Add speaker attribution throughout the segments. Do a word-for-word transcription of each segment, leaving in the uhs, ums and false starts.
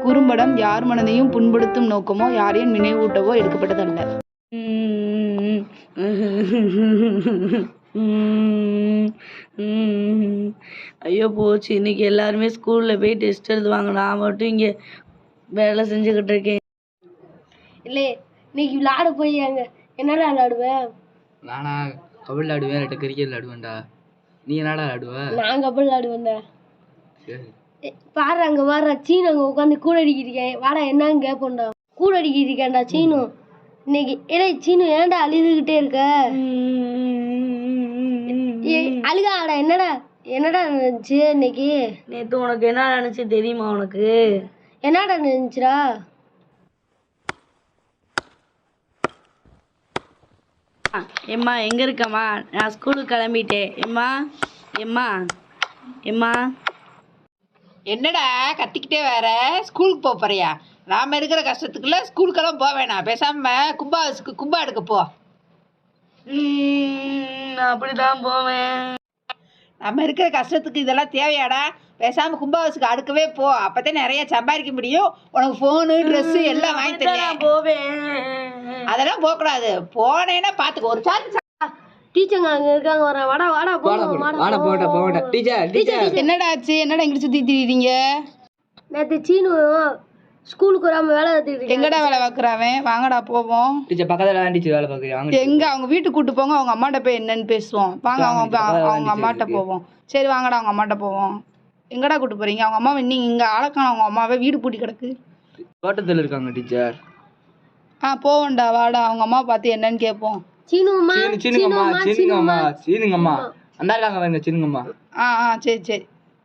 Speaker 1: குறும்படம் யார் மனதையும் புண்படுத்தும் நோக்கமோ யாரையும் நினைவூட்டவோ எடுக்கப்பட்டதல்ல.
Speaker 2: ஐயோ போச்சு, இன்னைக்கு எல்லாருமே ஸ்கூலில் போய் டெஸ்ட் எழுதுவாங்க, நான் மட்டும் இங்கே வேலை செஞ்சுக்கிட்டு இருக்கேன்.
Speaker 3: இல்லை, இன்னைக்கு விளையாட போய் அங்கே என்னடா விளையாடுவேன்?
Speaker 4: நானா கபடி விளையாடுவேன், இல்லாட்ட கிரிக்கெட் விளையாடுவேன்டா. நீ என்னடா விளையாடுவ?
Speaker 3: நான் கபடி விளையாடுவேன்டா.
Speaker 4: சரி
Speaker 3: பாரு அங்கே வர்ற சீனு அங்கே உட்காந்து கூட அடிக்கிறிருக்கேன். வாடா என்னன்னு கேட்போம்டா. கூட அடிக்கிருக்கேன்டா சீனு இன்னைக்கு. ஏடா சீனு ஏன்டா அழுதுகிட்டே இருக்க? அழுகாடா. என்னடா என்னடா நினைச்சு இன்னைக்கு?
Speaker 2: நேற்று உனக்கு என்ன நினச்சி தெரியுமா? உனக்கு
Speaker 3: என்னடா நினைச்சுடா?
Speaker 2: எம்மா எங்கே இருக்கம்மா? நான் ஸ்கூலுக்கு கிளம்பிட்டேன். எம்மா எம்மா எம்மா
Speaker 5: என்னடா கத்திக்கிட்டே வேற ஸ்கூலுக்கு போக போறியா? நாம இருக்கிற கஷ்டத்துக்குள்ள ஸ்கூலுக்கெல்லாம் போக வேணாம், பேசாம கும்பாசுக்கு கும்பா எடுக்க போ.
Speaker 2: நான் அப்படிதான் போவேன்.
Speaker 5: நம்ம இருக்கிற கஷ்டத்துக்கு இதெல்லாம் தேவையாடா? பேசாம கும்பாசுக்கு அடுக்கவே போ, அப்பதான் நிறைய சம்பாதிக்க முடியும். உனக்கு போனு ட்ரெஸ் எல்லாம் வாங்கி தரேன்.
Speaker 2: போவேன்.
Speaker 5: அதெல்லாம் போக கூடாது. போனேன்னா பாத்துக்கோ. ஒரு சார்ஜ்
Speaker 3: டீச்சருங்க அங்க இருக்காங்க, வர வாடா வாடா போவோம்.
Speaker 4: வாடா போடா போடா. டீச்சர் டீச்சர்
Speaker 1: என்னடா ஆச்சு? என்னடா இங்கிட்டு சுத்தி திரிறீங்க?
Speaker 3: நேற்று சீனு ஸ்கூலுக்கு வராம வேலை எடுத்துக்கிட்டு
Speaker 1: எங்கடா வேலை பார்க்குறாவன்? வாங்கடா போவோம்.
Speaker 4: டீச்சர் பக்கத்துல தான் டீச்சர் வேலை பார்க்குறீங்க.
Speaker 1: எங்க அவங்க வீட்டுக்கு கூட்டு போங்க, அவங்க அம்மாட்ட போய் என்னன்னு பேசுவோம். வாங்க அவங்க அவங்க அம்மாட்ட போவோம். சரி வாங்கடா அவங்க அம்மாட்ட போவோம். எங்கடா கூட்டு போறீங்க? அவங்க அம்மாவை நீங்க இங்க ஆளக்கான, அவங்க அம்மாவே வீடு பூட்டி கிடக்கு.
Speaker 4: தோட்டத்தில் இருக்காங்க டீச்சர்.
Speaker 1: ஆ போவோம்டா வாடா, அவங்க அம்மா பார்த்து என்னன்னு கேட்போம்.
Speaker 3: சீனுமா
Speaker 4: சீனுங்கம்மா சீனுங்கம்மா சீனுங்கம்மா அந்த இருக்காங்க வாங்க சீனுங்கம்மா.
Speaker 1: ஆ ஆ சரி சரி.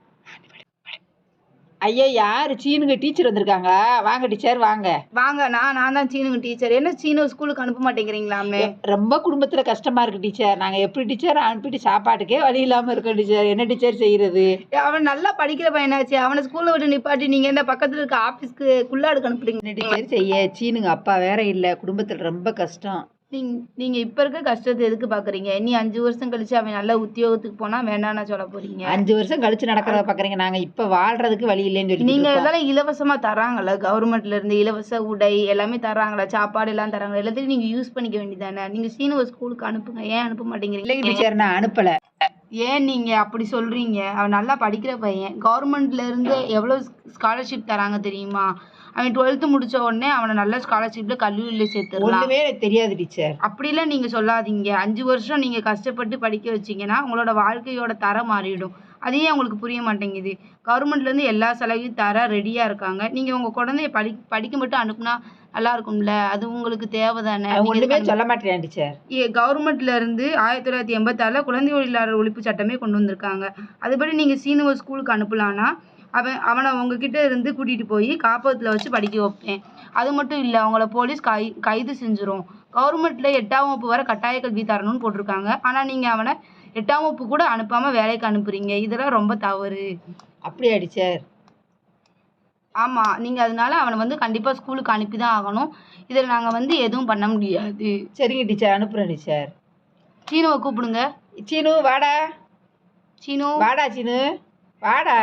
Speaker 5: ஐயா யாரு? சீனுங்க டீச்சர் வந்திருக்காங்க. வாங்க டீச்சர் வாங்க
Speaker 1: வாங்க. நான் நான் தான் சீனுங்க டீச்சர். என்ன சீனு ஸ்கூலுக்கு அனுப்ப மாட்டேங்கிறீங்களாமே?
Speaker 5: ரொம்ப குடும்பத்துல கஷ்டமா இருக்கு டீச்சர். நாங்க எப்படி டீச்சர் அனுப்பிட்டு சாப்பாட்டுக்கே வழி இல்லாம இருக்கோம் டீச்சர். என்ன டீச்சர் செய்யறது?
Speaker 1: அவன் நல்லா படிக்கிற பையனாச்சு, அவனை ஸ்கூல்ல விட்டு நிப்பாட்டி நீங்க என்ன பக்கத்துல இருக்க ஆபீஸ்க்கு குள்ளாடுக்கு அனுப்புறீங்க?
Speaker 5: என்ன டீச்சர் செய்ய? சீனுங்க அப்பா வேற இல்ல, குடும்பத்துல ரொம்ப கஷ்டம்.
Speaker 1: நீங்க நீங்க இப்ப இருக்க கஷ்டத்தை எதுக்கு பாக்குறீங்க? இனி அஞ்சு வருஷம் கழிச்சு அவன் நல்ல உத்தியோகத்துக்கு போனா வேண்டாம்னா சொல்ல போறீங்க?
Speaker 5: அஞ்சு வருஷம் கழிச்சு நடக்கிறத பாக்குறீங்க. நாங்க இப்ப வாழ்றதுக்கு வழி இல்லைன்னு சொல்லி
Speaker 1: நீங்க இதெல்லாம் இலவசமா தராங்கல்ல, கவர்மெண்ட்ல இருந்து இலவச உடை எல்லாமே தராங்களா, சாப்பாடு எல்லாம் தராங்களா, எல்லாத்தையும் நீங்க யூஸ் பண்ணிக்க வேண்டியதானே. நீங்க சீனுவ ஸ்கூலுக்கு அனுப்புங்க. ஏன் அனுப்ப மாட்டேங்கிறீங்க?
Speaker 5: டீச்சர் நான் அனுப்பல.
Speaker 1: ஏன் நீங்க அப்படி சொல்றீங்க? அவன் நல்லா படிக்கிற பையன். கவர்மெண்ட்ல இருந்து எவ்வளவு ஸ்காலர்ஷிப் தராங்க தெரியுமா? அவன் டுவெல்த்து முடிச்ச உடனே அவனை நல்ல ஸ்காலர்ஷிப்ல கல்லூரியில சேர்த்துடலாம்.
Speaker 5: ஒண்ணுமே எனக்கு தெரியாது டீச்சர்.
Speaker 1: அப்படிலாம் நீங்க சொல்லாதீங்க. அஞ்சு வருஷம் நீங்க கஷ்டப்பட்டு படிக்க வச்சீங்கன்னா உங்களோட வாழ்க்கையோட தரம் மாறிடும். அதையே உங்களுக்கு புரிய மாட்டேங்குது. கவர்மெண்ட்ல இருந்து எல்லா சலுகையும் தர ரெடியா இருக்காங்க. நீங்க உங்க குழந்தைய படி படிக்க மட்டும் அனுப்புனா நல்லா இருக்கும்ல, அது உங்களுக்கு தேவைதானே?
Speaker 5: ஒண்ணுமே சொல்ல மாட்டேன் டீச்சர்.
Speaker 1: கவர்மெண்ட்ல இருந்து ஆயிரத்தி தொள்ளாயிரத்தி எண்பத்தி ஆறுல குழந்தை தொழிலாளர் ஒழிப்பு சட்டமே கொண்டு வந்திருக்காங்க. அதுபடி நீங்க சீனுவ ஸ்கூலுக்கு அனுப்பலான்னா அவன் அவனை உங்ககிட்ட இருந்து கூட்டிகிட்டு போய் காப்பகத்தில் வச்சு படிக்க வைப்பேன். அது மட்டும் இல்லை, அவங்கள போலீஸ் கை கைது செஞ்சிரும். கவர்மெண்ட்டில் எட்டாம் வகுப்பு வரை கட்டாய கல்வி தரணும்னு போட்டிருக்காங்க. ஆனால் நீங்கள் அவனை எட்டாம் வகுப்பு கூட அனுப்பாமல் வேலைக்கு அனுப்புறீங்க. இதெல்லாம் ரொம்ப தவறு.
Speaker 5: அப்படியா டீச்சர்?
Speaker 1: ஆமாம், நீங்கள் அதனால அவனை வந்து கண்டிப்பாக ஸ்கூலுக்கு அனுப்பி தான் ஆகணும். இதில் நாங்கள் வந்து எதுவும் பண்ண முடியாது.
Speaker 5: சரிங்க டீச்சர், அனுப்புகிறேன் டீச்சர்.
Speaker 1: சீனுவை கூப்பிடுங்க.
Speaker 5: சீனு வாடா.
Speaker 1: சீனு
Speaker 5: வாடா. சீனு வாடா.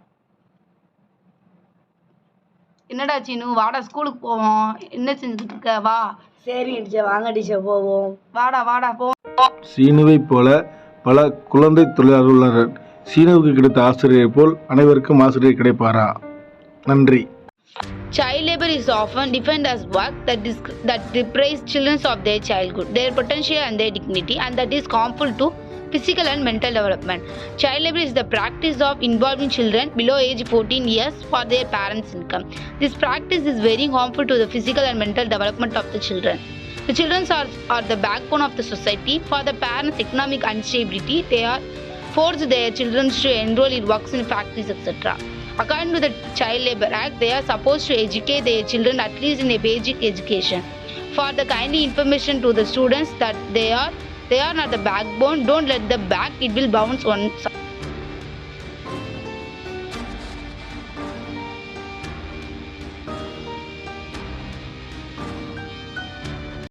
Speaker 1: என்னடா சீனு வாடா, ஸ்கூலுக்கு போவோம். என்ன செஞ்சுக்கிட்டு இருக்க? வா.
Speaker 2: சரி டீச்சர் வாங்க டீச்சர் போவோம்.
Speaker 1: வாடா வாடா போ.
Speaker 6: சீனுவை போல பல குழந்தை தொழிலாளர்கள் உள்ளனர். சீனுவுக்கு கிடைத்த ஆசிரியரை போல் அனைவருக்கும் ஆசிரியர் கிடைப்பாரா? நன்றி.
Speaker 7: Child labor is often defined as work that, dis- that deprives children of their childhood, their potential and their dignity, and that is harmful to physical and mental development. Child labor is the practice of involving children below age fourteen years for their parents' income. This practice is very harmful to the physical and mental development of the children. The children are, are the backbone of the society. For the parents' economic instability, they are forced their children to enroll in works in factories, et cetera. According to the Child Labor Act, they are supposed to educate their children at least in a basic education. For the kindly information to the students that they are they are not the backbone. Don't let the back, it will bounce on.